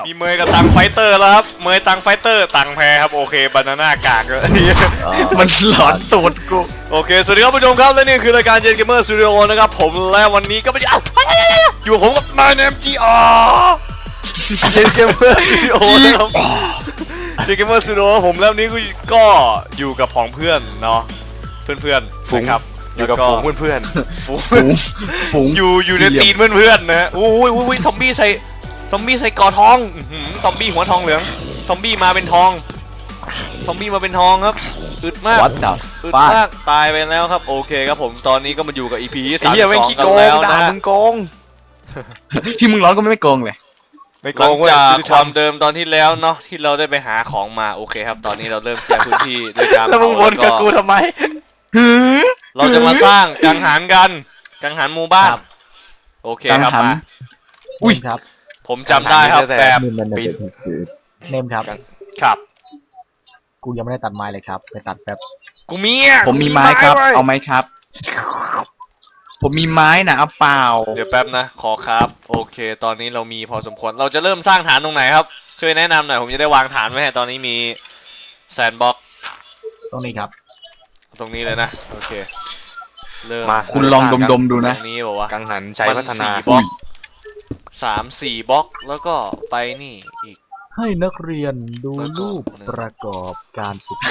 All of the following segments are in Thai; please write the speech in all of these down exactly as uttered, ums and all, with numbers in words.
มีเมย์กับตังไฟเตอร์แล้วครับเมย์ตังไฟเตอร์ตังแพ้ครับโอเคบานาน่ากากเลยมันหลอนตูดกูโอเคสวัสดีครับผู้ชมครับและนี่คือรายการเจนเกมเมอร์สตูดิโอนะครับผมและวันนี้ก็ไม่ได้อยู่กับผมกับนายเนมจีอาร์เจนเกมเมอร์สตูดิโอนะครับเจนเกมเมอร์สตูดิโอผมแล้วนี้ก็อยู่กับของเพื่อนเนาะเพื่อนเพื่อนนะครับอยู่กับฝูงเพื่อนฝูงฝูงอยู่อยู่ในตีนเพื่อนๆนะโอ้ยโอ้ยซอมบี้ใส่ซอมบี้ใส่กอทองซอมบี้หัวทองเหลืองซอมบี้มาเป็นทองซอมบี้มาเป็นทองครับอึดมากอึดมากตายไปแล้วครับโอเคครับผมตอนนี้ก็มาอยู่กับ อี พี ที่สามสิบสองกันแล้วนะมึงโกงที่มึงร้อนก็ไม่โกงเลยไม่โกงจากความเดิมตอนที่แล้วเนาะที่เราได้ไปหาของมาโอเคครับตอนนี้เราเริ่มเคลียร์พื้นที่ด้วยการแล้วมึงวนกับกูทำไมเราจะมาสร้างกังหันกันกังหันหมู่บ้านโอเคครับมาอุ้ยครับผมจำได้ครับแบบปีเนมครับครับกูยังไม่ได้ตัดไม้เลยครับไปตัดแป๊บกูมีผมมีไม้ครับเอาไหมครับผมมีไม้นะเอาเปล่าเดี๋ยวแป๊บนะขอครับโอเคตอนนี้เรามีพอสมควรเราจะเริ่มสร้างฐานตรงไหนครับช่วยแนะนำหน่อยผมจะได้วางฐานไว้ให้ตอนนี้มีแซนด์บ็อกซ์ตรงนี้ครับตรงนี้เลยนะโอเคเริ่มมาคุณลองดมๆดูนะตรงนี้บอกว่ากังหันใจพัฒนาบล็อกสามสี่บล็อกแล้วก็ไปนี่อีกให้นักเรียนดูรูปประกอบการศึกษา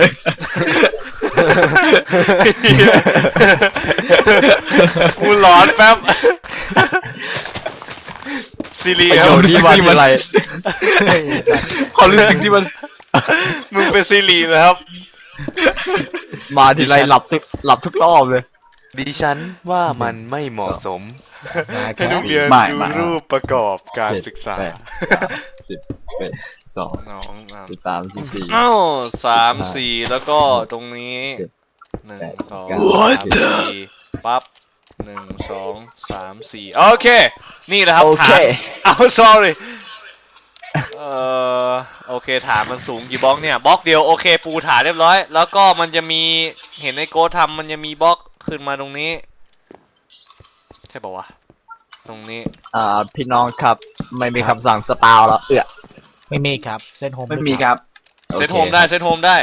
กูหลอนแป๊บซีรีส์ที่ว่าอะไรความรู้สึกที่มันมึงเป็นซีรีส์นะครับมาทีไรหลับทุกหลับทุกรอบเลยดิฉันว่ามันไม่เหมาะสมให้นักเรียนดูรูปประกอบการศึกษาสิบเอ็ดสองสิบสามสิบสี่อ้าวสามสี่แล้วก็ตรงนี้หนึ่งสองสามสี่ปั๊บหนึ่งสองสามสี่โอเคนี่แหละครับฐานเอา sorry เอ่อโอเคฐานมันสูงกี่บล็อกเนี่ยบล็อกเดียวโอเคปูฐานเรียบร้อยแล้วก็มันจะมีเห็นในโกทำมันจะมีบล็อกขึ้นมาตรงนี้ใช่ป่าวะตรงนี้อ่าพี่น้องครับไม่มีคำสั่งสปาวแล้วเอื้อไม่มีครับเซตโฮมไม่มีครับเซตโฮมได้เซตโฮมได้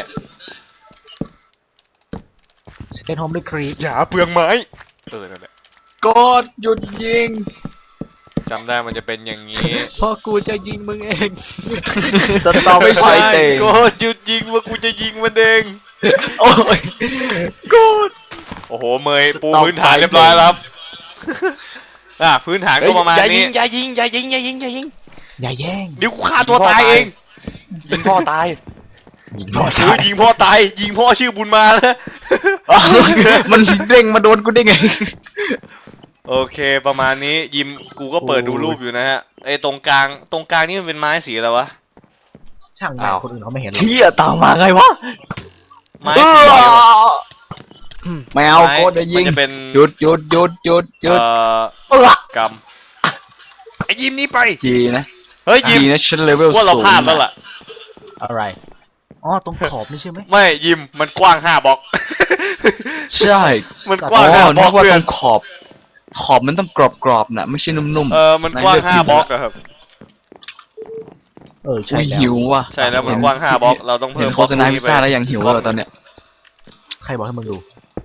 เซตโฮมด้วยครีปอย่าเปลืองไม้เออนั่นแหละกดหยุดยิงจำได้มันจะเป็นอย่างนี้พอกูจะยิงมึงเองสตอไม่ใช่ก็หยุดยิงว่ากูจะยิงมันเองโอ้ยกดโอ้โหเมย์ปูพื้นฐานเรียบร้อยแล้วครับอ่ะพื้นฐานก็ประมาณนี้อย่ายิงอย่ายิงอย่ายิงอย่ายิงอย่าแย่งเดี๋ยวกูฆ่าตัวตายเองยิงพ่อตายยิงพ่อตายยิงพ่อตายยิงพ่อชื่อบุญมาแล้วมันเด้งมาโดนกูได้ไงโอเคประมาณนี้ยิมกูก็เปิดดูรูปอยู่นะฮะไอ้ตรงกลางตรงกลางนี่มันเป็นไม้สีอะไรวะช่างแม่คนอื่นเขาไม่เห็นหรอกเชี่ยตามมาไงวะไม้สีไม่เอาโคตรยิงหยุดหยุดหยุดหยุดหยุดเออกำไอ้ยิมนี่ไปจีนะเฮ้ยยิมนะชั้นเลเวลว่าเราพลาดแล้วล่ะอะไรอ๋อตรงขอบนี่ใช่ไหมไม่ยิมมันกว้างห้าบล็อกใช่มันกว้างห้าบล็อกเพื่อนขอบขอบมันต้องกรอบๆนะไม่ใช่นุ่มๆเออมันกว้างห้าบล็อกอะครับเออใช่แล้วหิวว่ะใช่แล้วมันกว้างห้าบล็อกเราต้องเพิ่มโฆษณาพิซซ่าแล้วยังหิวเลยตอนเนี้ยใครบอกให้มึงดู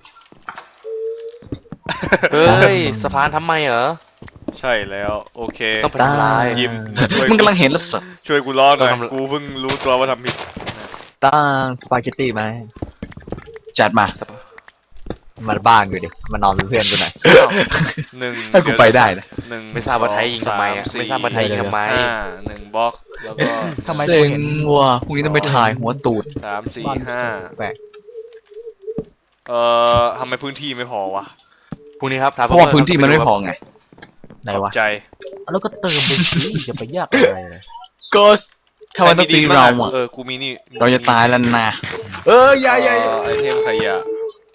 เฮ้ยสะพานทำไมเหรอใช่แล้วโอเคต้องไปทำลายยิมมึงกำลังเห็นแล้วสิช่วยกูร้อนหน่อยกูเพิ่งรู้ตัวว่าทำผิดตั้งสปาเกตตี้ไหมจัดมามาบ้านกูดิมานอนเป็นเพื่อนกูหน่อยหนึ่งถ้ากูไปได้นะหนึ่งไม่ทราบว่าไทยยิงทำไมไม่ทราบว่าไทยยิงทำไมหนึ่งบล็อกแล้วก็เซ็งว่ะพรุ่งนี้ต้องไปถ่ายหัวตูดสามสี่ห้าเอ่อทำไมพื้นที่ไม่พอวะพรุ่งนี้ครับเพราะว่าพื้นที่มันไม่พอไงไหนวะใจแล้วก็เติมไปสิจะไปยากอะไรเลยก็ถ้ามันต้องตีเราอ่ะเออกูมีนี่เราจะตายแล้วนะเออใหญ่ใหญ่ไอเทมขยะ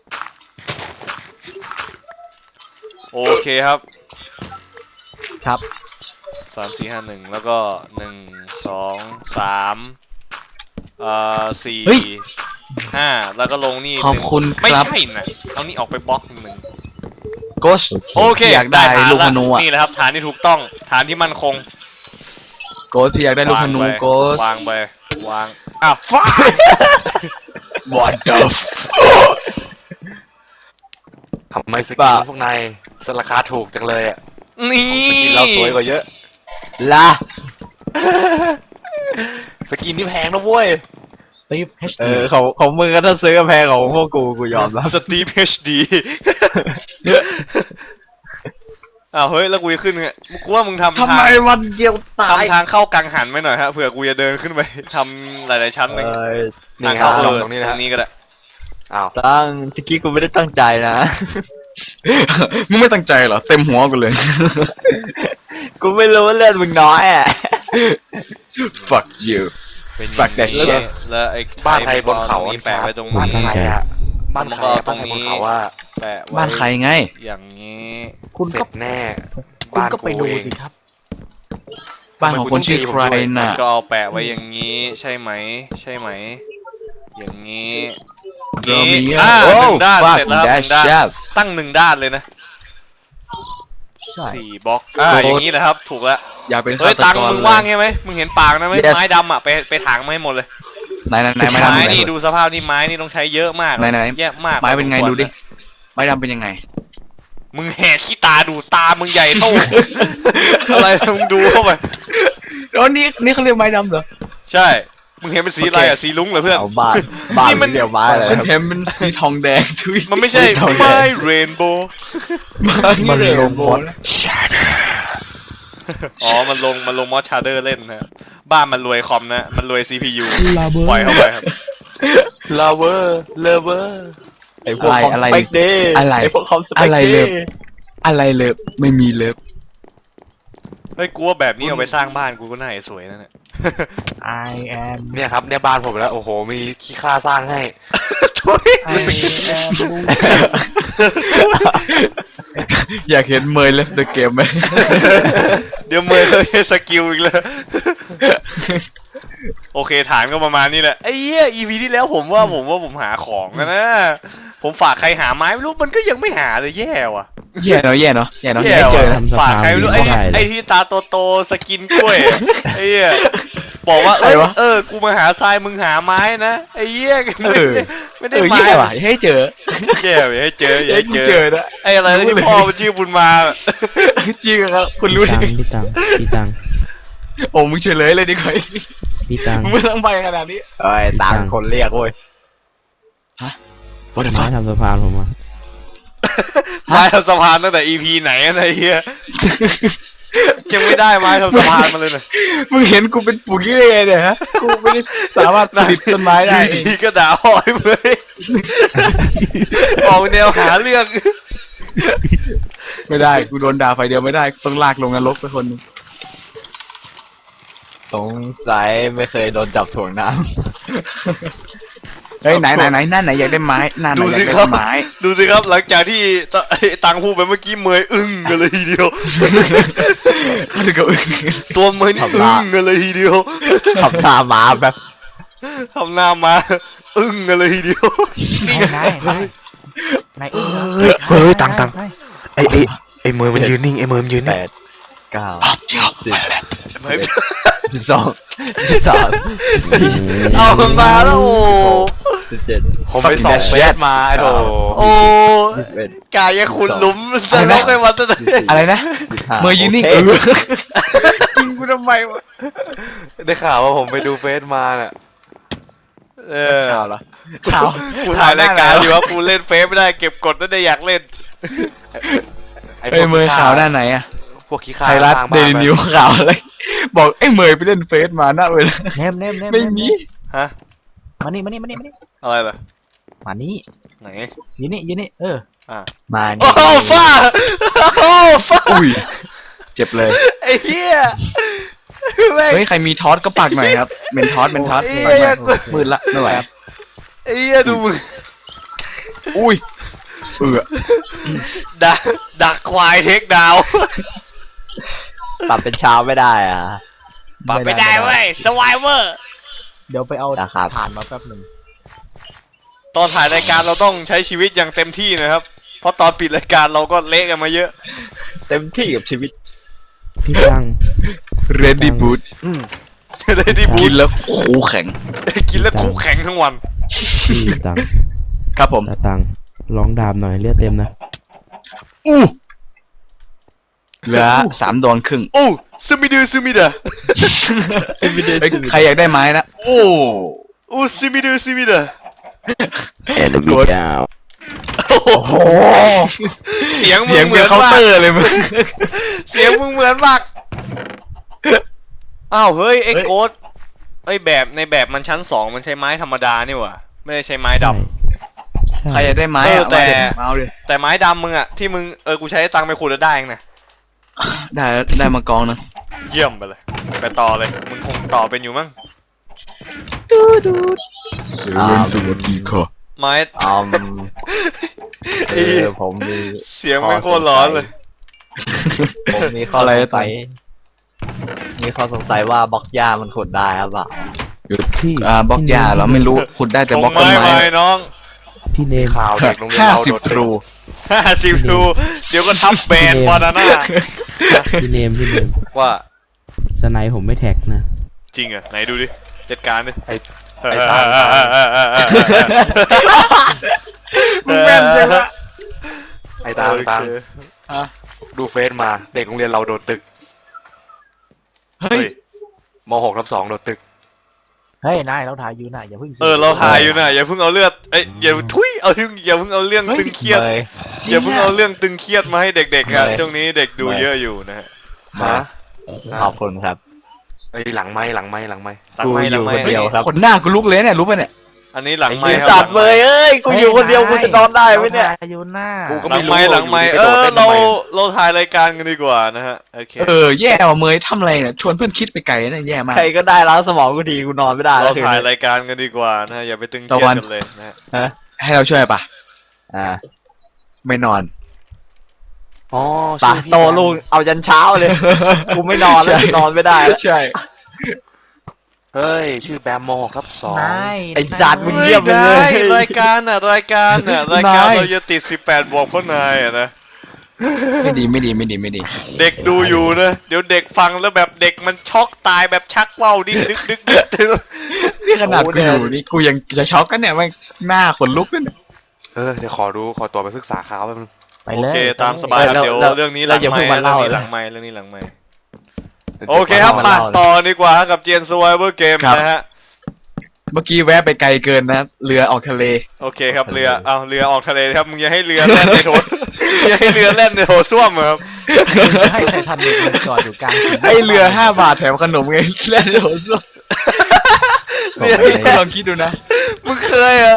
โอเคครับครับสามสี่ห้าหนึ่งแล้วก็หนึ่งสองสามเอ่อสี่ห้าแล้วก็ลงนี่ขอบคุณครับไม่ใช่นะเอานี่ออกไปบล็อกหนึ่งโกสโอเคอยากได้ลูกธนูอ่ะนี่แหละครับฐานที่ถูกต้องฐานที่มั่นคงโกสพี่อยากได้ลูกธนูโกสวางไปวางอ้าวฟ้า What the f- ทำไมสกินพวกนายสราคาถูกจังเลยอ่ะนี่สกินเราสวยกว่าเยอะล่ะสกินที่แพงนะเว้ยสตีฟเฮชเออของของมึงก็ถ้าซื้อกระแพงของพวกกูกูยอมรับสตีฟเอชดีอ้าวเฮ้ยแล้วกูจะขึ้นไงกูว่ามึงทำทำไมทางวันเดียวตายทำทางเข้ากังหันไว้หน่อยฮะเผื่อกูจะเดินขึ้นไปทำหลายๆชั้นหนึ่งเอ้ยนี่ทางครัเข้าบเออตรงนี้นะตรฮะงนี้ก็ได้อ้าวตั้งตะกี้กูไม่ได้ตั้งใจนะมึงไม่ตั้งใจเหรอเต็มหัวกูเลยกูไม่รู้ว่าเลือดมึงน้อยอ่ะ fuck you เป็น Fuck that อย่าง shit แล้วไอ้บ้านใครบนเขาตรงนี้แปะไว้ตรงบ้านนี้ใครอะบ้านใครอะบ้านใครบนเขาว่าแปะไว้บ้านใครไงอย่างนี้คุณเสร็ก็จแน่คุณก็ไปดูเองสิครับบ้านของคนชื่อใครมัน่ะนก็เอาแปะไว้อย่างนี้ใช่ไหมใช่ไหมอย่างนี้โรมินี้โออ่าหโอ้นึ่งด้าน fuck เสร็จแล้วห that นึ่งด้าน shit ตั้งหนึ่งด้านเลยนะใช่สี่บล็อกอ่าอย่างนี้นะครับถูกแล้วอย่าเป็นเฮ้ยฆาตตังค์กรมึงเลยว่างใช่ไหมมึงเห็นปากนะไหม Yes ไม้ดำอ่ะไปไปถางมาให้หมดเลยไหนไหนไหนไม้ดำไม้เป็นไงนี่ดูสภาพนี่ไม้นี่ต้องใช้เยอะมากไหนไหนแย่มากไม้เป็นไงพอสมควรดูดินะไม้ดำเป็นยังไงมึงแหกขี้ตาดูตามึงใหญ่โต อะไรมึงดูเข้าไปอ๋อนี่นี่เขาเรียกไม้ดำเหรอใช่ มึงเห็นเป็นสีอะไรอ่ะ สีลุ้งเหรอเพื่อนเอาบ้านบ้านนี่มันเดียวไม้เลยฉันเห็นเป็นสีทองแดงทุยมันไม่ใช่ทองแดงไม้เรนโบว์มันลงมดอ๋อ มันลง มันลงมอสชาร์เดอร์เล่นนะ บ้านมันรวยคอมนะ มันรวย ซี พี ยู ปล่อยเข้าไปครับลาเวอร์เลเวอร์ไอ้พวกคอมสเปกเดย์อะไรไอ้พวกคอมสเปกอะไรเดเลยย์อะไรเลิฟไม่มีเลิฟเฮ้ย กูว่าแบบนี้เอาไปสร้างบ้านกูก็น่าจะสวยนะเนี่ย I am เนี่ยครับเนี่ยบ้านผมแล้วโอ้โหมีขี้ค่าสร้างให้ทุย I am อยากเห็นเมย์เลฟเดอะเกมไหมเดี๋ยวเมย์เลยสกิลอีกเลย โอเคฐานก็ประมาณนี้แหละไอ้เหี้ย อี พี ที่แล้วผมว่าผมว่าผมหาของนะ ผมฝากใครหาไม้ไม่รู้มันก็ยังไม่หาเลยแย่ว่ะแย่เนาะแย่เนาะแย่เนาะแย่แย่เจอว่ะนะฝากใครไม่รู้ไอ้ไอ้ที่ตาโตๆสกินกล้วยอะไอ้เหี้ยบอกว่าเออเออกูมาหาทรายมึงหาไม้นะไอ้เหี้ยไม่ได้ไม่เอได้อไม้แย่ว่ะอย่าให้เจอแย่อย่าให้เจออย่าให้ให้กูเจเจออนะไอ้อะไรนะที่พ่อมันชื่อบุญมาจริงครับคุณรู้พี่ได้ตังไงพี่ตังพี่ตังโอ้มึงเฉลยเลยดีกว่าพี่ตังมึงไม่ต้องไปขนาดนี้เอ้ยตามคนเรียกเว้ย What the ไม้ fuck ทำสะพานผมอ่ะไม้ทำสะพานตั้งแต่ อี พี ไหนอะไอ้เหี้ยยังไม่ได้ไม้ทำสะพานมาเลยนะมึงเห็นกูเป็นปุ๋ยเลยเนี่ยฮะกูไม่ได้สามารถผลิตต้นไม้ได้อยู่ดีก็ด่าหอยเลยออกแนวหาเรื่องไม่ได้กูโดนด่าไฟเดียวไม่ได้ต้องลากลงนรกไปคนหนึงสงสัยไม่เคยโดนจับถ่วงน้เฮ้ยไหนไหนไหนหน้าไหนอยากได้ไม้หน้าไหนดูอยากสิได้ครับไม้ดูสิครับหลังจากที่ตไอ้ตังพูดไปเมื่อกี้เมยอึ้งกันเลยทีเดียวเขาถึงกับอึ้งตัวเมยนี่อึ้งกันเลยทีเดียวำขับหน้าม้าแบบทำหน้ามาอึ้งกันเลยทีเดียวนายนายนายอึ้งเหรอเฮ้ยตังตัง ไอ้ไอ้ไอ้เมย์มันยืนนิ่งไอ้เมย์มันยืนแปนิ่งดเก้าจริงเหรอสิบเมยสิบสองสิบสามสิบสี่เอามันมาแล้วโอ้สิบเจ็ดผมไปส่องเฟซมาไอ้โดโอ้สิบเอ็ดกายยังขุดหลุมจะลกให้มันจะได้อะไรนะสิบห้าเมย์ยืนนิ่งโอเอเคอจริงกูทำไมวะได้ข่าวว่าผมไปดูเฟซมาเนี่ยเออข่าวเหรอข่าวกูถ่ายรายการอยู่ว่ากูเล่นเฟซไม่ได้เก็บกดไม่ได้อยากเล่นไอ้พเอ้วย กเมย์ข่าวหน้าไหนอะพวกขี้ข้าไทยรัฐสางเดบ้านลิไปนิวข่าวอะไรบอกไอ้เมย์ไปเล่นเฟซมาหน้าเวลาเนมเนมเนมไม่มีฮะมานี่มานี่มานี่มานี่อะไรล่ะมานี่ไหนยืนนี่ยืนนี่เอออ่ะมาโอ้นี่โหฟ้าโอ้ฟ้าอุ้ยเจ็บเลยไอ้เหี้ยแม่งเฮ้ยใครมีทอสก็ปักหน่อยครับเป็นทอสเป็นทอสเอ้ยปักหน่อยมืดละไม่ไหวไอ้เหี้ยดูมึงอุ้ยเอือดักดักควายเทคดาวน์ปรับเป็นเช้าไม่ได้อ่ะปรับไม่ได้เว้ยสวายเวอร์เดี๋ยวไปเอาผ่านมาแป๊บหนึ่งตอนถ่ายรายการเราต้องใช้ชีวิตอย่างเต็มที่นะครับ เพราะตอนปิดรายการเราก็เละกันมาเยอะเต็มที่กับชีวิตพี่ตัง ready boot ได้ดีบูกิทนแล้วคูแข็งกินแล้วคุกแข็งทั้งวันพี่ตังค์ครับผมตาตังค์ร้องดาบหน่อยเลือดเต็มนะอู้เหลือสามดวงครึ่งโอ้ซูมิดูซูมิดะเฮ้ยใครอยากได้ไม้นะโอ้โอ้ซูมิดูซูมิดะ enemy down โอ้โหเสียงมึเสียงงเหเหมืมืออน นเคาน์มาเตอก ร์เลยมึงเสียงมึงเหมือนมากอ้าวเฮ้ยไอ้โกดไอ้ยแบบในแบบมันชั้นสองมันใช้ไม้ธรรมดานี่หว่าไม่ได้ใช้ไม้ดำใช่ใครอยากได้ไม้เอออะแต่มาเอาดิแต่ไม้ดำมึงอะที่มึงเออกูใช้ตังค์ไปขุดแล้วได้เองนะได้ได้มากองนึงเยี่ยมไปเลยไปต่อเลยมึงคงต่อเป็นอยู่มั้งเสียงเล่นสวัสดีค่ะไม้อืมไอ้เออผมมีเสียงแม่งโคตรร้อนเลยผมมีข้ออะไรสงอะสัยมีข้อสงสัยว่าบล็อกหญ้ามันขุดได้ครับเปล่าพี่อ่าบล็อกหญ้าเหราไม่รู้ขุดได้แต่ส่งบล็อกต้นไม้ไม้มาน้องพี่เนมข่าวเด็กโรงเรียนห้าเราสิบโดดทรูห้าสิบทูเดี๋ยวก็ทับแบนบอนาน่าพี่เนมพี่เนมว่าสไนป์ผมไม่แท็กนะจริงเหรอไหนดูดิจัดการดิไอ้ไอ้ตามตามมึงแม่นจังวะไอ้ตามตามโอเคอ่ะดูเฟซมาเด็กโรงเรียนเราโดดตึกเฮ้ยมหกทับสองโดดตึกเฮ้ย นายเราถ่ายอยู่นะอย่าเพิ่งเออเราถ่ายอยู่นะอย่าเพิ่งเอาเลือดเอ้ยอย่าทุยเอาเรื่องอย่าเพิ่งเอาเรื่องตึงเครียดเลยอย่าเพิ่งเอาเรื่องตึงเครียดมาให้เด็กๆอ่ะไม่ช่วงนี้เด็กดูเยอะอยู่นะฮะฮะขอบคุณครับไอ้ยหลังไม้หลังไม้หลังไม้หลังไม้หลังไม้กูอยู่คนเดียว ครับขนหน้ากูลุกเลยเนี่ยรู้ป่ะเนี่ยอันนี้หลังไม้ไอ้คเหี้รับยจัดเลยเอ้ยกูอยู่คนเดียวกูจะนอนได้ไหมเนี่ยราถ่าอยู่หน้ากูก็หลัไม่งรู้ไม้หลังไม้อยู่เอดีไปโดดอเล่นเราทำไมเราถ่ายรายการกันดีกว่านะฮะโอเคเออแย่ว่ะเมยทำอะไรเนี่ยชวนเพื่อนคิดไปไกลนะแย่มากใครก็ได้ล้างสมองกูทีกูนอนไม่ได้เราแล้วคืนถ่ายนี้รายการกันดีกว่านะฮะอย่าไปตึงเครียตะวัดนกันเลยนะฮะให้เราช่วยปะอ่าไม่นอนอ๋อปะชื่อพี่โตลุงเอายันเช้าเลย กูไม่นอนแล้วใช่นอนไม่ได้แล้วใช่เฮ้ยชื่อแบมมหกทับสองนายไอ้สัตว์มึงเฮ้เยี่ยมไปเลยได้รายการน่ะรายการน่ะรายการนายเราจะติดสิบแปดบวกเพราะนายอ่ะนะไม่ดีไม่ดีไม่ดีไม่ดีเด็กดูอยู่นะเดี๋ยวเด็กฟังแล้วแบบเด็กมันช็อกตายแบบชักว่าวดิ้นดึกดึกดึกดึกนี่ขนาดกูอยู่นี่กูยังจะช็อกกันเนี่ยมันหน้าขนลุกกันเนี่ยเออเดี๋ยวขอดูขอตัวไปศึกษาข่าวแป๊บนึงไปโอเลยเคตามสบายครับแล้วเดี๋ยวแล้วเรื่องนี้หแล้ลัวงอย่าไมเพิ่งค์มาเรื่องเล่านี้หลังนะไมค์เรื่องนี้หลังไมค์ดี๋ยวโอเคครับมามาเล่าต่อดีกว่ากับเจียน Survivor Game ครับนะฮะเมื่อกี้แวะไปไกลเกินนะเรือออกทะเลโอเคครับเรือเอาเรือออกทะเลครับมึงอย่าให้เรือแล่นในโถ อย่าให้เรือแล่นในโถส้วมอะครับให้ไททันเด็กมันจอดอยู่กลางสี่แยกไอเรือห้าบาทแถมขนมไงเล่นโหส้วมเรือลองคิดดูนะมึงเคยอะ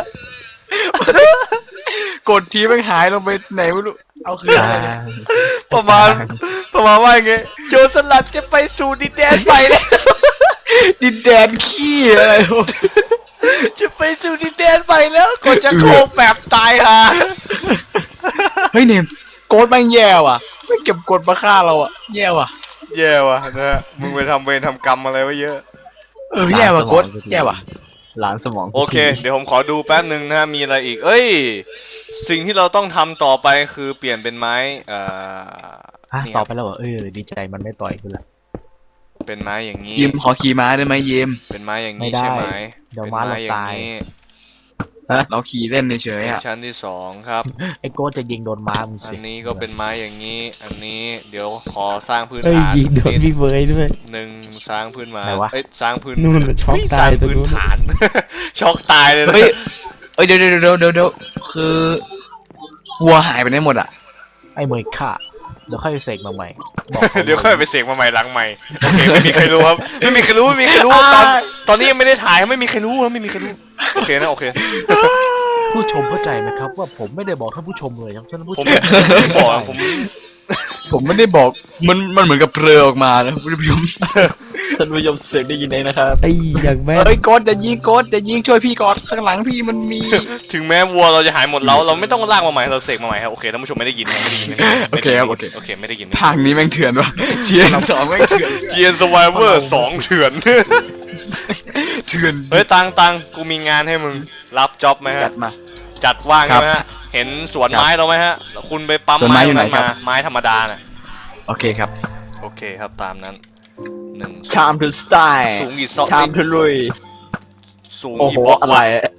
กดทีแม่งหายลงไปไหนไม่รู้เอาคืนอะไรเนี่ยประมาณประมาณว่าอย่างงี้โจรสลัดจะไปสู่ดินแดนไปแล้วดินแดนขี้อะไรวะจะไปสู่ดินแดนไปแล้วกดจะโคงแบบตายฮะเฮ้ยเนมโกดแม่งแย่ว่ะไม่เก็บกดมาฆ่าเราอ่ะแย่ว่ะแย่ว่ะนะฮะมึงไปทำเวรทำกรรมอะไรไว้เยอะเออแย่ว่ะโกดแย่ว่ะล้างสมองกูโอเคทีเดี๋ยวผมขอดูแป๊บหนึ่งนะฮะมีอะไรอีก เอ้ย สิ่งที่เราต้องทำต่อไปคือเปลี่ยนเป็นไม้เอ่อฮะนี่ต่คอรับไปแล้วเหรอเออดีใจมันไม่ต่อยกูละเป็นไม้อย่างนี้ยิมขอขี่ม้าได้ไหมยิมเป็นไม้อย่างไม่นี้ได้ใช่ไหมเดี๋ยวเป็นม้าไม้เราอย่าตาง ยนี้เราขี่เล่นเฉยๆเป็นอ่ะชั้นที่สองครับไอ้โก้จะยิงโดนม้ามึงอัสินนี้ก็เป็นไม้อย่างนี้ อันนี้เดี๋ยวขอสร้างพื้นเอ้ยฐานยิงโดนนิดพี่เบย์ด้วยหนึ่งสร้างพื้นมาไหนวะเอ้ยสร้างพื้นนู่นน่ะช็อกเฮ้ตายสร้งตรงพื้นนู้นฐาน ช็อกตายเลยนะเฮ้ยเอ้ยเดี๋ยวเดี๋ยวเดี๋ยวเดี๋ยวเดี๋ยวคือวัวหายไปไหนหมดอ่ะไอ้เมย์ฆ่าเดี๋ยวค่อยไปเสกมาใหม่บอกเดี๋ยวค่อยไปเสกมาใหม่หลังใหม่โอเคไม่มีใครรู้ครับไม่มีใครรู้ไม่มีใครรู้ตอนตอนนี้ยังไม่ได้ถ่ายไม่มีใครรู้ครับไม่มีใครรู้โอเคนะโอเคผู้ชมเข้าใจไหมครับว่าผมไม่ได้บอกท่านผู้ชมเลยครับท่านผู้ผมชมผมบอกอะผมผมไม่ได้บอกมันมันเหมือนกับเปลือออกมานะคุณผู้ชมท่านผู้ชมเสียงได้ยินเองนะครับไอ้อย่างแม่นเฮ้ยโกดจะยิงโกดจะยิงช่วยพี่ก่อนข้างหลังพี่มันมีถึงแม้วัวเราจะหายหมดแล้วเราไม่ต้องลากมาใหม่เราเสกมาใหม่ครับโอเคท่านผู้ชมไม่ได้ยินนะไม่ได้ยินไม่ได้ยินโอเคครับโอเคโอเคไม่ได้ยินภาคนี้แม่งเถื่อนว่ะเจียนสองแม่งเถื่อนเจียนสวายเวอร์สองเถื่อนเถื่อนเฮ้ยตังตังกูมีงานให้มึงรับจ็อบไหมจัฮะดมาจัดว่างครัใช่บไหมฮะเห็นสวนไม้เราไหมฮะคุณไปปั๊มสวนไม้ไม้อยู่ไหนตรงครัมาบไม้ธรรมดาน่ะโอเคครับโอเคครับตามนั้นหนึ่งชามทูสไตล์สูงกี่ซอกชามทูลุยสูงโอ้โหกี่บล็อกอะไรวะ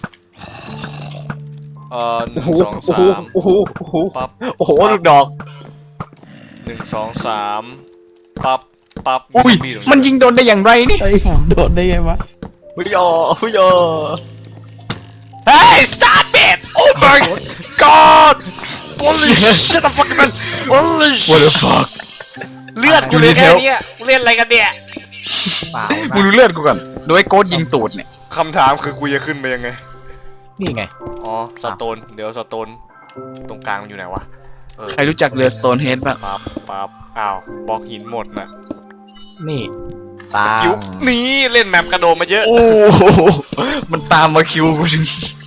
เอ่อหนึ่งสองโอ้โหสามโอ้โหโอ้โหปั๊บโอ้โหลูกดอกหนึ่งสองสามปั๊บปั๊บอุ้ยมีตรงมันยิงโดนได้อย่างไรนี่เอ้ยโดดได้ไงวะพุยโยพุยโยเฮ้ย stop it oh my god holy shit the fuck man holy What the shit fuck เลือดกูเหลยแค่เนี้ยกูเล่นอะไรกันเนี่ยเปล่ามึงนะดูเลือดกูก่อนโดยไอ้โกดยิงตูดเนี่ยคำถามคือกูจะขึ้นไปยังไงนี่ไงอ๋อสโตนเดี๋ยวสโตนตรงกลางมันอยู่ไหนวะเออใครรู้จักเรือสโตนเฮดบ้างปั๊บปั๊บอ้าวบล็อกหินหมดน่ะนี่ตาสกิลนี่เล่นแมปกระโดดมาเยอะโอ้โหมันตามมาคิวกูถึง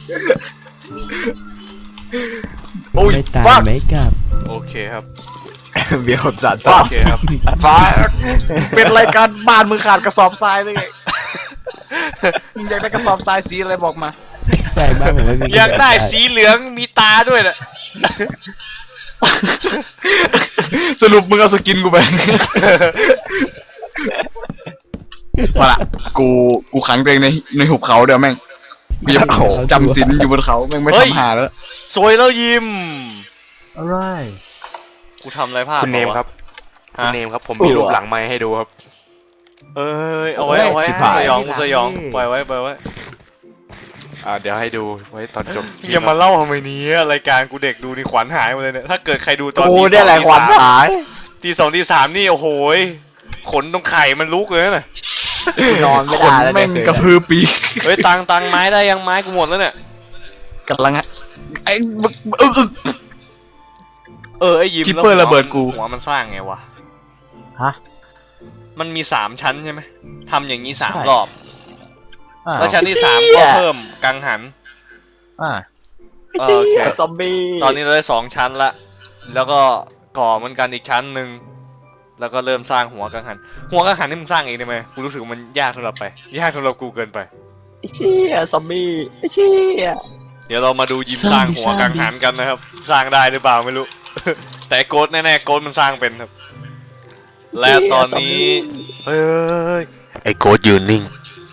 โอ้ยไม่ตายฟักไม่กลับโอเคครับเบียร์ผมสัตว์โอเคครับฟ้าเป็นรายการบ้านมือขาดกระสอบทรายเลยไงมึงอยากได้กระสอบทรายสีอะไรบอกมาใช่บ้างผมไม่มีอยากได้สีเหลืองมีตาด้วยน่ะสรุปมึงเอาสกินกูไปมาละกูกูขังตัวเองในในหุบเขาเดี๋ยวแม่งกูจะจำศีลอยู่บนเขาแม่งไม่ทำหาแล้วสวยแล้วยิ้มอะไรกูทำอะไรพลาดคุณเนมปะวะครับคุณฮะเนมครับผมมีรูปหลังไม้ให้ดูครับเอ้ยเอาไว้เอาไว้ชิบหายสยองกูสยองปล่อยไว้ปล่อยไว้อ่าเดี๋ยวให้ดูไว้ตอนจบอย่ามาเล่าทำไมเนี้รายการกูเด็กดูนี่ขวัญหายหมดเลยเนี่ยถ้าเกิดใครดูตอนโอ้ตีสได้องแหละตีขวัญสามหายตีสองตีสามนี่โอ้โหยขนตรงไข่มันลุกเลยน่ะนอนไม่ขนได้แล้วแม่งเนี่ยกระพือปีกเฮ้ยตังตังไม้ได้ยังไม้กูหมดแล้วเนี่ยกำลังอะไอ้บึกเออเออไอ้ยิ้มคิปเปอร์แล้วระเบิดกูหัวมันสร้างไงวะฮะมันมีสามชั้นใช่ไหมทำอย่างนี้สามใช่รอบอ่าแล้วชั้นที่สามก็เพิ่มกังหันอ่าเออโอเคซอมบี้ตอนนี้เราได้สองชั้นละ แล้วก็ก่อเหมือนกันอีกชั้นหนึ่ง แล้วก็เริ่มสร้างหัวกังหัน หัวกังหันนี่มึงสร้างเองได้ไหมกูรู้สึกว่ามันยากสำหรับไป ยากสำหรับกูเกินไปไอ้เชี่ยซอมบี้ไอ้เชี่ยเดี๋ยวเรามาดูยิมสร้างหัวกังหันกันนะครับ สร้างได้หรือเปล่าไม่รู้ แต่โกดแน่ๆโกดมันสร้างเป็นครับ และตอนนี้ เฮ้ยไอ้โกดยืนนิ่ง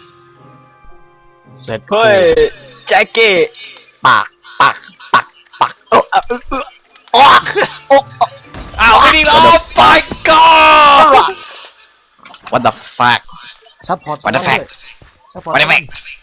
เสร็จเฮ้ยแจ็คเก้ปากปากปากปากเออเออเออเออโอ้โอ้อ้าวไม่ดีแล้ว Oh my god What the fuck ซัพพอร์ต What the fuck ซัพพอร์ต What the fuck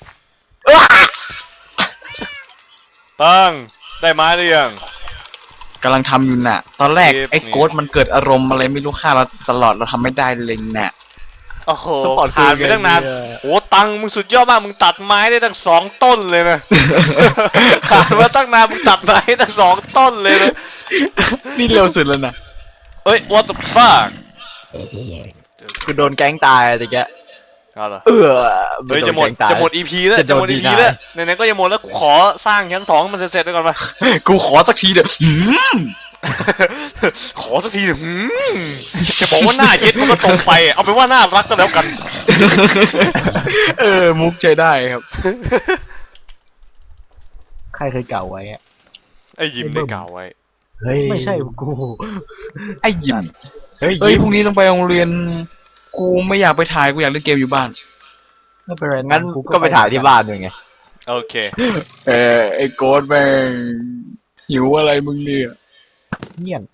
ตั้งได้ไม้หรือยังกำลังทำอยู่น่ะ ตอนแรกเทปไอ้นี่โกดมันเกิดอารมณ์อะไรไม่รู้ฆ่าเราตลอดเราทำไม่ได้เลยน่ะโอ้โหผ่านไปตั้งนานโอ้ตังมึงสุดยอดมากมึงตัดไม้ได้ตั้งสองต้นเลยนะ ผ่านมาตั้งนานมึงตัดไม้ตั้งสองต้นเลยนะนี่เร็วสุดแล้วนะเอ้ย what the fuck คือโดนแก๊งตายอะไรแกเอาเหรอเออเฮ้ยจะหมดโนแก๊งตายจะหมด อี พี แล้วจะจะโดหมนด อีดีพีนายแล้วไหนๆก็จะหมดแล้วกูขอสร้างชั้นสองให้มันเสร็จๆไปก่อนมากูขอสักทีเถอะหืมขอสักทีหนึ่งหืมจะบอกว่าหน้าเย็ดมันก็ตรงไป เอาเป็นว่าน่ารักก็แล้วกันเออมุกใช้ได้ครับใครเคยเก่าไว้อะไอ้ยิ้มได้กล่าวไว้เฮ้ยไม่ใช่กูไอ้ยิมเฮ้ยเฮ้ยยิ้มพรุ่งนี้ต้องไปโรงเรียน กูไม่อยากไปถ่ายกูอยากเล่นเกมอยู่บ้านไม่เป็นไรงั้นก็ไปถ่ายที่บ้านด้วยไงโอเคเออไอ้โกดแม่งหิวอะไรมึงเนี่ยเงียบ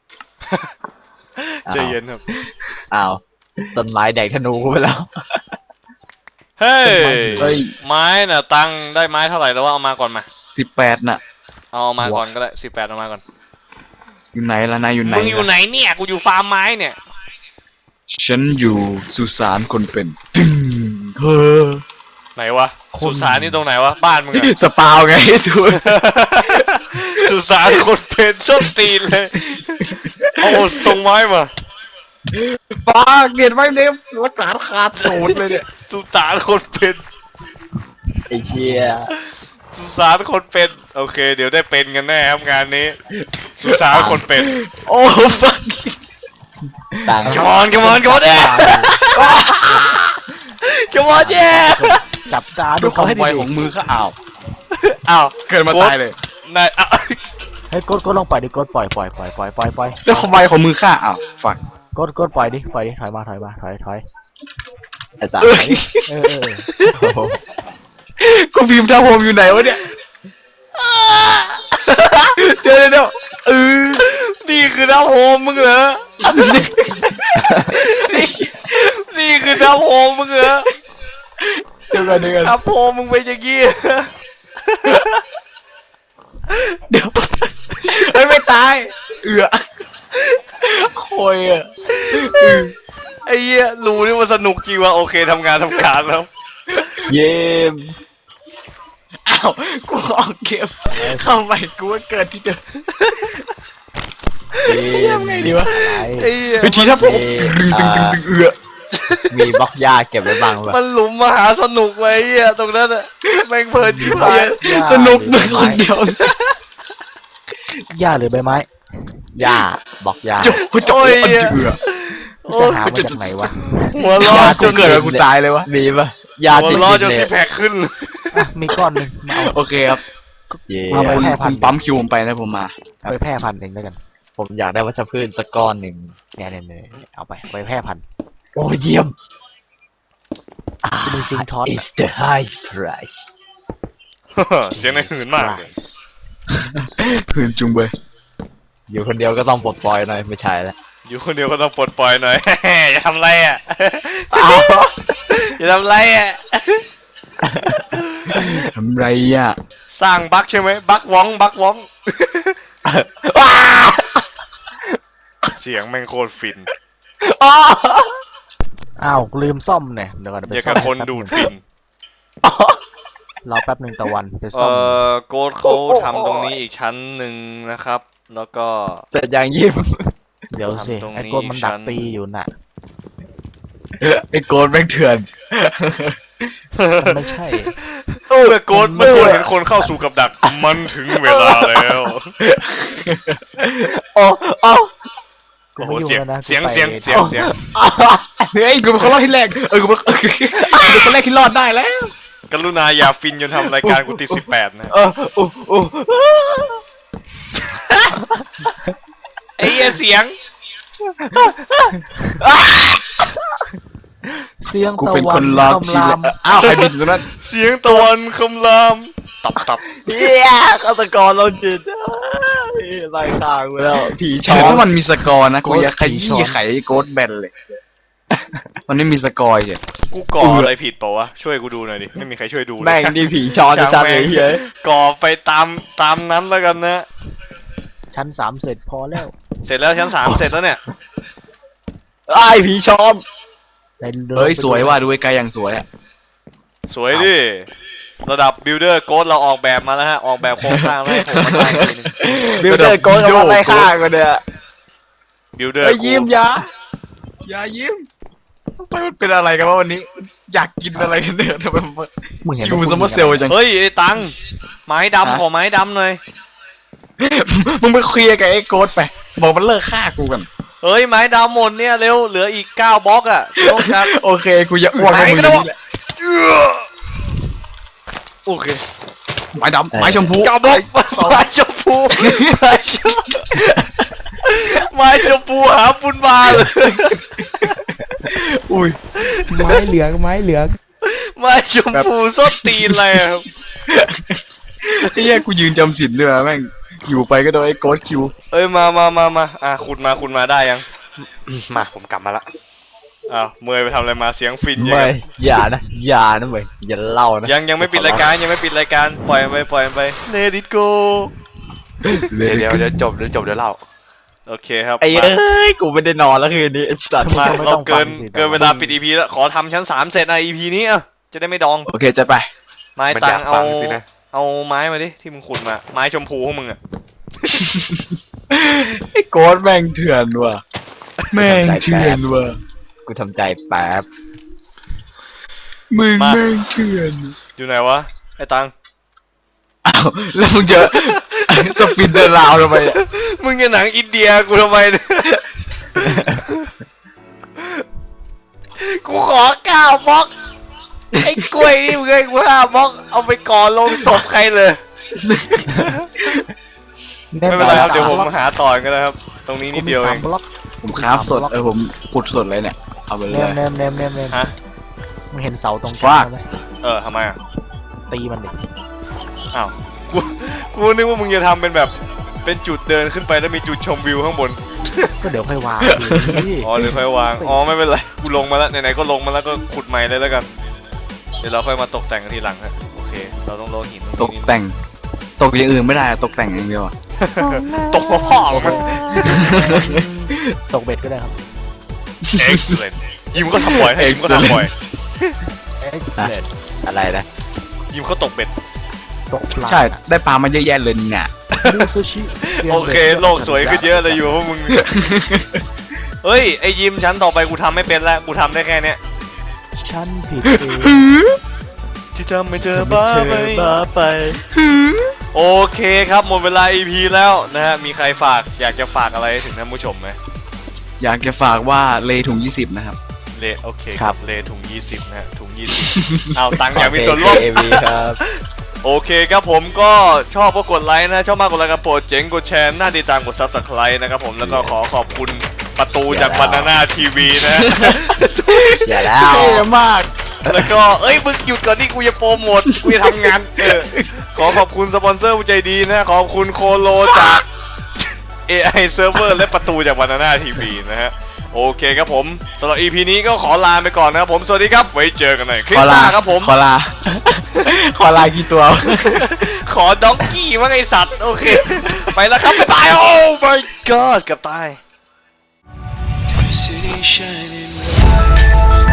ใจเย็นครับอ้าวต้นไม้แดกธนูกูไปแล้วเฮ้ยเฮ้ยไม้น่ะตังได้ไม้เท่าไหร่แล้วว่าเอามาก่อนมาสิบแปดน่ะเอามาก่อนก็ได้สิบแปดเอามาก่อนอยู่ไหนล่ะนายอยู่ไหนมึงอยู่ล่ะไหนเนี่ยกูอยู่ฟาร์มไม้เนี่ยฉันอยู่สุสานคนเป็นตึงเฮ้อไหนวะสุสานนี่ตรงไหนวะบ้านมึงอะสปาวไงทุกสุสานคนเป็นส้นตีนเลยเอาส่งไม้มาปากเกลียดไว้เนมรักษาขาดสูตรเลยเนี่ยสุสานคนเป็นไอ้เชี่ยสุสานคนเป็นโอเค เดี๋ยวได้เป็นกันแน่ครับงานนี้ สุสานคนเป็นโอ้ฟังต่าง come on come on come on yeah come on yeah จับตาดูด้วยคเขาวามให้ไวดีของมือก็อ้าวอ้าวเกิดมาตายเลยนายอ้าวให้กดกดลงปล่อยดิกดปล่อยปล่อยปล่อยปล่อยปล่อยปล่อยด้วยความไวของมือข้าอ้าวฟังกดกดปล่อยดิปล่อยดิถอยมาถอยมาถอยถอยไอ้ตาเออเออเออกูพิมพ์ท่าโฮมอยู่ไหนวะเนี่ยเดี๋ยวเดี๋ยวเออนี่คือน้ำโฮมมึงเหรอ นี่นี่คือน้ำโฮมมึงเหรอเดี๋ยวกันเดี๋ยวกันน้ำโฮมมึงเป็นอย่างงี้เดี๋ยวเฮ้ยไม่ตายเอือโคยอ่ะไอ้เหี้ยรู้นี่มันสนุกจริงว่ะโอเคทำงานทำการแล้วเยี่ยมอ้าวกูออกเกมเข้าใหม่กูว่าเกิดที่เดิมเยี่ยมไงดีวะไอ้เหี้ยวิธีถ้าผมตึงตึงตึงตึงเอือมีบล็อกหญ้าเก็บไว้บ้างป่ะมันหลุมมหาสนุกไว้ไอ้เหี้ยตรงนั้นอะแม่งเพลินที่พายสนุกมึงคนเดียวหญ้าหรือใบไม้หญ้าบล็อกหญ้าจบจบอันเอือโอ้จะยหามาจากไหนวะหัวเร้อรอจจนนเกิดมากูตายเลยวะมีป่ะหญ้าหัวติดเร้อดินจนเนี่ซิยแพคขึ้นอ่ะมีก้อนหนึ่งมาเอาโอเคครับเย่เอาไปคุณแพร่พัคุนณธุ์ปั๊มคิวผมไปนะผมมาไปแพร่พันธุ์เองแล้วกันผมอยากได้วัชพืชสักก้อนหนึ่งเนี่ยเนี่ยเนี่ยเอาไปเอาไปแพร่พันธุ์โอ้เยี่ยมจะมีซิงค์ท็อต is the highest price เสียงในหืนมากเลยคืนจุงเบยอยู่คนเดียวก็ต้องปลดปล่อยหน่อยไม่ใช่แล้วอยู่คนเดียวก็ต้องปลดปล่อยหน่อย อย่าทำไรอ่ะอ้าวอย่าทำไรอ่ะทำไรอ่ะสร้างบั๊กใช่ไหมบั๊กว้องบั๊กว้องว้าเสียงแม่งโคตรฟินอ้าวอ้าวลืมซ่อมเนี่ยเดี๋ยวก่อนไปอย่าซ่กัอบ มคนดูดฟินรอแป๊บหนึ่งตะวันไปเอซ่อมอโกดเขาทำตรงนี้อีกชั้นหนึ่งนะครับ แล้วก็เสร็จอย่างยิ้มเดี๋ยวสิทำตรงนี้ไอ้ก้นมันดักชั้นตีอยู่น่ะไอ้โกนแม่งเถื่อนมันไม่ใช่เมื่อโกดเมื่อโกดเห็นคนเข้าสู่กับดัก มันถึงเวลาแล้วโอ้โอ้กูโอ้โหไม่อยู่เสียงแล้วนะเสียงกูไปเสียงเสียงเสียงเฮ้ยกูเป็นคนรอดที่แรกเออกูเป็นกูเป็นคนแรกที่รอดได้แล้วกรุณาอย่าฟินจนทำรายการกูติดสิบแปดนะเออโอ้โอ้ไอ้เหี้ยเสียงเสียงกูตะเป็นวัคน นรอดคำที่รามแรกอ้าวใครบินอยู่ตรงนั้นเสียงตะวันคำรามตับตับเฮียฆาตกรเราจิตไล่ข้างไปแล้วผีช้อถ้าน มันมีสกอร์นะกูอยากขยี้ไขโกดแบนเลย มันไม่มีสกอร์ใช่กูก่ออะไรผิดเปล่าวะช่วยกูดูหน่อยดิไม่มีใครช่วยดูเลยแม่งช่างนี่ผีช้อนช่างชัดๆแม่เลงยเฮียก่อไปตามตามนั้นแล้วกันนะชั้นสามเสร็จพอแล้วเสร็จแล้วชั้นสามเสร็จแล้วเนี่ยไอ้ผีช้อนในดินเฮ้ยไปสวยว่ะดูไกลๆอย่างสวยอ่ะสวยดิระดับบิลเดอร์โกดเราออกแบบมาแล้วฮะออกแบบโครงสร้างแล้วให้ผมมาสร้างอีกทีหนึงบิวเดอร์โกนกับไล่ข้างกันเนี่ยบิลเดอร์เฮ้ยยิ้มอยาอย่ายิ้มทำไมมันเป็นอะไรกันวะวันนี้ อยากกินอะไรกันเนี่ยทำไมมันมึงเห็นคิวซัมเมอร์เซลจังเฮ้ยไอ้ตังไม้ดำขอไม้ดำหน่อยมึงไปเคลียร์กับไอ้โกดไป บอกมันเลิกฆ่ากูกันเฮ้ยไม้ดำหมดเนี่ยเร็วเหลืออีกเก้าบล็อกอะต้องการโอเคกูจะอ้วกในมือนี่แหละโอเคไม้ดำไม้ชมพูเก้าบล็อกไม้ชมพูไม้ชมไม้ชมพูหาปุนบาเลยอุ้ยไม้เหลืองไม้เหลืองไม้ชมพูส้นตีนเลยครับไอ้เหี้ยกูยืนจำศีลด้วยนะแม่งอยู่ไปก็โดนไอ้โกดคิวเอ้ยมามามามาอ่ะคุณมาคุณมาได้ยังมาผมกลับมาละอ้าวเมย์ไปทำอะไรมาเสียงฟินยังไม่ไงอย่านะอย่านะเว้ยอย่าเล่านะยังยังไม่ปิดรายการยังไม่ปิดรายการปล่อยมันไปปล่อยมันไป Let it go เดี๋ยวเดี๋ยวเดี๋ยวจบเดี๋ยวจบเดี๋ยวเล่าโอเคครับไอ้มาเอ้ยกูไม่ได้นอนแล้วคืนนี้ไอ้สัตว์มาไม่เราต้องเกินฟังสิเกินเวลาปิด อี พี แล้วขอทำชั้นสามเสร็จนะ อี พี นี้อ่ะจะได้ไม่ดองโอเคจะไปไม้มันตัอยาง กเอาฟังสินะเอาไม้มาดิที่มึงขุดมาไม้ชมพูของมึงอ่ะไอ้โกดแม่งเถื่อนว่ะแม่งเถื่อนว่ะกูทำใจแป๊บมึงแม่งเถื่อนอยู่ไหนวะไอ้ตังอ้าวแล้วมึงเจอ สปินเดอร์ราวทำไมอะมึงจะหนังอินเดียกูทำไมเนี่ย กูขอเก้าบล็อกไอ้กล้วยนี่มึงให้กูห้าบล็อกเอาไปก่อลงศพใครเลย ไม่เป็นไรครับเดี๋ยวผมหาต่อก็ได้ครับ ตรงนี้นิดเดียวเองกูมีสามบล็อกผมคราฟสดเออผมขุดสดเลยเนี่ยเอาไปเลเนยมเนมเนมเนมเนมฮะมึงเห็นเสาตรงกฟาลางดไหมเออทำไมอ่ะตีมันดิอ้าวกูกูนึกว่ามึงจะทำเป็นแบบเป็นจุดเดินขึ้นไปแล้วมีจุดชมวิวข้างบนก็เดี๋ยวค่อยวางดิอ๋อหรือค่อยวางอ๋อไม่เป็นไรกูลงมาแล้วไหนๆก็ลงมาแล้วก็ขุดใหม่เลยแล้วกันเดี๋ยวเราค่อยมาตกแต่งกันทีหลังฮะโอเคเราต้องลงหินตกแต่ง ตกอย่างอื่นไม่ได้อะตกแต่งอย่างเดียวอะตกพ่อมันตกเบ็ดก็ได้ครับ excellent ยิมก็ทำบ่อยให้ยิมก็ทำบ่อย excellent อะไรนะยิมเขาตกเบ็ดตกปลาใช่ได้ปลามาเยอะแยะเลยเนี่ยมูซูชิโอเคโลกสวยขึ้นเยอะเลยอยู่พวกมึงเฮ้ยไอยิมชั้นต่อไปกูทำไม่เป็นแล้วกูทำได้แค่เนี้ยฉันผิดเองที่ทำไม่เจอบ้าไปบ้าไปโอเคครับหมดเวลา อี พี แล้วนะฮะมีใครฝากอยากจะฝากอะไรถึงท่านผู้ชมไหมอยากจะฝากว่าเลถุงยี่สิบนะครับเลโอเคครับเลถุงยี่สิบนะฮะถุงยี่สิบเอาตังค์อยากมีส่วนร่วมเอวีครับโอเคครับผมก็ชอบก็กดไลค์นะชอบมากกดไลค์กับโปรดเจ๋งกดแชร์หน้าติดตามกดซับสไครต์นะครับผมแล้วก็ขอขอบคุณประตูจากบานาน่าทีวีนะอย่าแล้วเท่มากแล้วก็เอ้ยมึงหยุดก่อนที่กูจะโปรโมทกูจะทำงานเออขอขอบคุณสปอนเซอร์ผู้ใจดีนะขอบคุณโคโลจาก เอ ไอ Server และประตูจากบานาน่าทีวีนะฮะโอเคครับผมสำหรับ อี พี นี้ก็ขอลาไปก่อนนะครับผมสวัสดีครับไว้เจอกันใหม่คลิปขอหลาน้าครับผมขอลา ขอลากี่ตัวขอด็อกกี้มั้งไอสัตว์โอเค ไปแล้วครับบ๊ายบายโอ้ my god เกับตาย City shining bright.